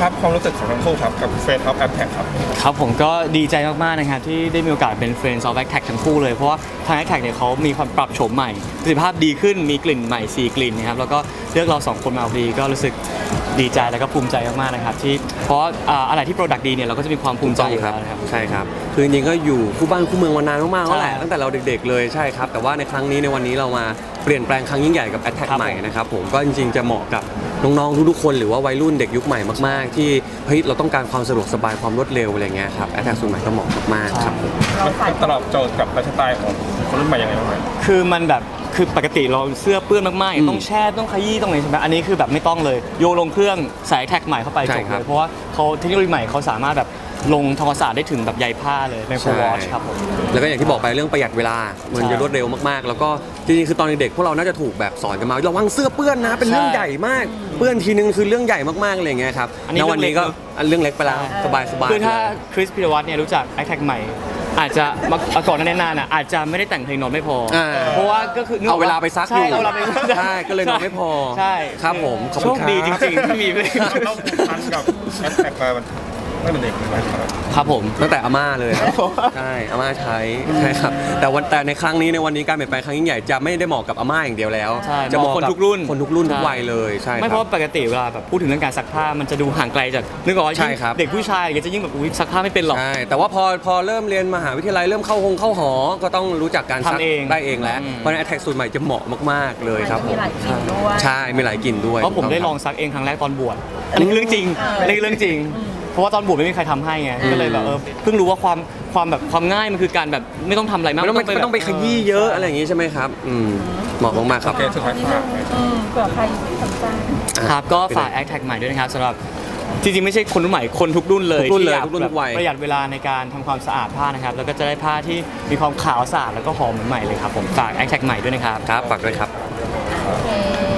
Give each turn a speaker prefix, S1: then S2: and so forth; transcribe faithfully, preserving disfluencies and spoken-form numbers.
S1: ครับความรู้สึกของทั้งคู่ครับกับ Friends of Attack ครับ
S2: ครับผมก็ดีใจมากๆนะครับที่ได้มีโอกาสเป็น Friends of Attack ทั้งคู่เลยเพราะว่าทาง Attack เนี่ยเขามีความปรับโฉมใหม่ประสิทธิภาพดีขึ้นมีกลิ่นใหม่สี่กลิ่นนะครับแล้วก็เลือกเราสองคนมาพอดีก็รู้สึกดีใจแล้วก็ภูมิใจมากๆนะครับที่เพราะอ่าอะไรที่ Product ดีเนี่ยเราก็จะมีความภูมิใจอยู่แล้วนะครับ
S3: ใช่ครับคือจริงๆก็อยู่คู่บ้านคู่เมืองมานานมากๆแล้วแหละ
S2: ใช่
S3: ตั้งแต่เราเด็กๆเลยใช่ครับแต่ว่าในครั้งนี้ในวันนี้เรามาเปลี่ยนแปลงครั้งยิ่งใหญ่กับ Attack
S2: ครับ
S3: ใหม่นะครับผมก็จริงๆจะเหมาะกับน้องๆทุกๆคนหรือว่าวัยรุ่นเด็กยุคใหม่มากๆที่เฮ้ยเราต้องการความสะดวกสบายความรวดเร็วอะไรเงี้ยครับ Attack สูตรใหม่ก็เหมาะมากๆครับผม
S1: มันตอบโจทย์กับไลฟ์สไตล์ของคนรุ่นใหม่ยังไงบ้างไหม
S2: คือมันแบบคือปกติเราเสื้อเปื้อนมาก
S3: อืม
S2: ๆต้องแช่ต้องขยี้ต้องอะไรใช่ไหมอันนี้คือแบบไม่ต้องเลยโยนลงเครื่องใส่แท็กใหม่เข้าไป
S3: ใช่
S2: จบ
S3: ครั
S2: เล
S3: บ
S2: ยเพราะว่าเขาเทคโนโลยีใหม่เขาสามารถแบบลงทำความสะอาดได้ถึงแบบใยผ้าเลยในโฟวอชครับผม
S3: แล้วก็อย่างที่บอกไปเรื่องประหยัดเวลามันจะรวดเร็วมากๆ แล้วก็จริงๆคือตอนเด็กๆพวกเราน่าจะถูกแบบสอนกันมาระวังเสื้อเปื้อนนะเป็นเรื่อง
S2: ใช่
S3: ใหญ่มากเปื้อนทีนึงคือเรื่องใหญ่มากๆอะไรอย่างเงี้ยครับ
S2: อันนี้
S3: แล้ววันนี้ก็
S2: เรื่องเล็ก
S3: อันเรื่องเล็กไปแล้วสบายๆ
S2: คือถ้า
S3: เลย
S2: คริสพิรวัตรเนี่ยรู้จักไอแท็กใหม่ อาจจะมาก่อนหน้านี้นานอ่ะอาจจะไม่ได้แต่งเพลงนอนไม่พออา เพราะว่าก็คือนึก
S3: เอาเวลาไปซัก
S2: ใช่
S3: อยู่
S2: เอาเวลาไปซัก
S3: ใช่ก็เลยนอนไม่พอ
S2: ใช่
S3: ครับผมขอบ
S2: โช
S3: คุณ
S2: ค
S3: ครับ
S2: ดีจริงๆที่มีเพลง
S1: เราผูกพันกับ Attack มาตั้งแต่เด็กเลยไหมครับ
S2: ครับผม
S3: ตั้งแต่อาม่าเลยครับใช่อาม่าใช้ใช่ครับแต่วันแต่ในครั้งนี้ในวันนี้การเปลี่ยนแปลงครั้งยิ่งใหญ่จะไม่ได้เหมาะกับอาม่าอย่างเดียวแล้ว
S2: ใช่
S3: จะเหมาะ
S2: คน
S3: กับ
S2: ทุกรุ่น
S3: คนทุกรุ่นทุก
S2: ใช่
S3: วัยเลยใช่
S2: ไม่
S3: ค
S2: เพ
S3: รับ
S2: ราะว่าปกติเวลาแบบพูดถึงเรื่องการซักผ้ามันจะดูห่างไกลจากนึกออกว่า
S3: ใช่ครับ
S2: เด็กผู้ชายก็จะยิ่งแบบอุ๊ยซักผ้าไม่เป็นหรอก
S3: ใช่แต่ว่าพอพอเริ่มเรียนมหาวิทยาลัยเริ่มเข้าหงเข้าหอ ก็ต้องรู้จักการซัก
S2: ทำเอง
S3: ได้เองแล้ว
S2: อืม
S3: เพราะฉะนั้นแอทแทกสูตรใหม่จะเหมาะมากๆเลยครับผ
S4: มี
S3: ม
S4: หลายกลิ่นด้วย
S3: ใช่มีหลายกลิ่นด้วย
S2: เพราะผมได้ลองซักเองครั้งแรกตอนบวชอันนี้คือเรื่องจริงอันนี้คือเรื่องจริง เพราะว่าตอนบวชไม่มีใครทำให้ไงก็เลยแบบเออเพิ่งรู้ว่าความความแบบความง่ายมันคือการแบบไม่ต้องทำอะไรมาก
S3: ไม่ต้องไปไม่ต้องไปขยี้เยอะอะไรอย่างงี้ใช่ไหมครับอืมเหมาะมากๆครับ
S1: โอเคสุดท้ายฝาก
S4: อืมเผื่อใครสนใจ
S2: ครับก็ฝากแอคแท็กใหม่ด้วยนะครับสำหรับจริงๆไม่ใช่คนรุ่นใหม่คนทุกรุ่นเลย
S3: ทุกรุ่นเลย
S2: ที่อยา
S3: ทุกรุ่นทุกวัย
S2: ประหยัดเวลาในการทำความสะอาดผ้านะครับแล้วก็จะได้ผ้าที่มีความขาวสะอาดแล้วก็หอมเหมือนใหม่เลยครับผมฝากแอคแท็กใหม่ด้วยนะครับ
S3: ครับฝากด้วยครับ
S4: โอเค